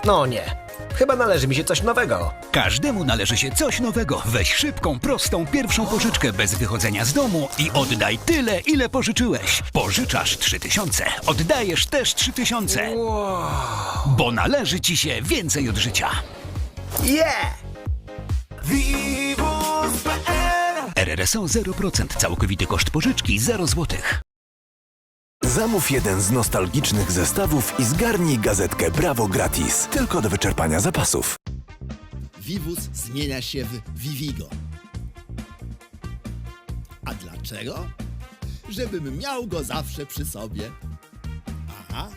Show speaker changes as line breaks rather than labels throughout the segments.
No nie. Chyba należy mi się coś nowego.
Każdemu należy się coś nowego. Weź szybką, prostą pierwszą pożyczkę bez wychodzenia z domu i oddaj tyle, ile pożyczyłeś. Pożyczasz 3000, oddajesz też 3000. Bo należy ci się więcej od życia.
Yeah!
RRSO 0%, całkowity koszt pożyczki 0 zł.
Zamów jeden z nostalgicznych zestawów i zgarnij gazetkę Brawo gratis. Tylko do wyczerpania zapasów.
Vivus zmienia się w Vivigo. A dlaczego? Żebym miał go zawsze przy sobie. Aha.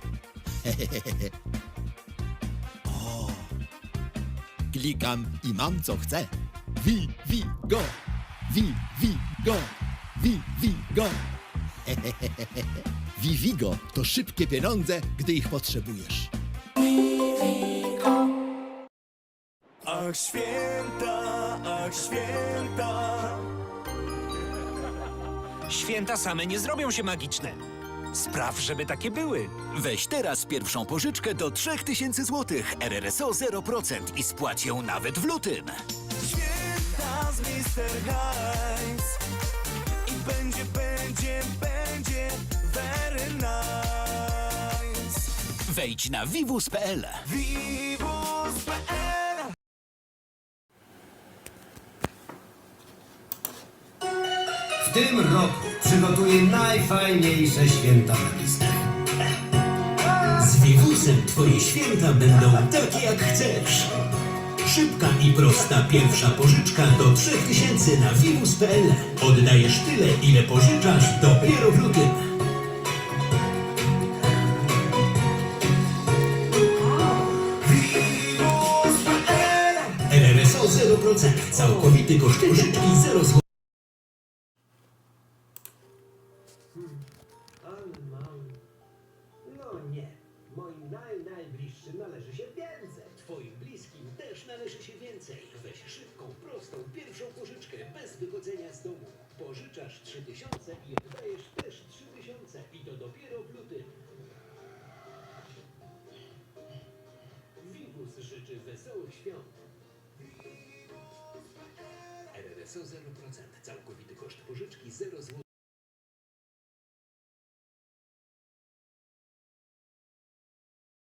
O. Klikam i mam co chcę. Vivigo. Vivigo. Vivigo. Vivigo to szybkie pieniądze, gdy ich potrzebujesz.
Ach święta, ach święta.
Święta same nie zrobią się magiczne. Spraw, żeby takie były.
Weź teraz pierwszą pożyczkę do 3000 zł. RRSO 0% i spłać ją nawet w lutym.
Święta z Mr. Heinz. I będzie very nice.
Wejdź na vivus.pl.
Vivus.pl.
W tym roku przygotuję najfajniejsze święta na listę.
Z Vivusem twoje święta będą takie jak chcesz. Szybka i prosta pierwsza pożyczka do 3000 na vivus.pl. Oddajesz tyle, ile pożyczasz dopiero w lutym. RRSO 0%. Całkowity koszt pożyczki 0 zł.
No nie, moim najbliższym należy się więcej.
Twoim bliskim też należy się więcej. Weź szybką, prostą pierwszą pożyczkę bez wychodzenia z domu. Pożyczasz 3000 i oddajesz też 3000 i to dopiero w lutym. Vivus życzy wesołych świąt. RRSO 0%. Całkowity koszt pożyczki 0 zł.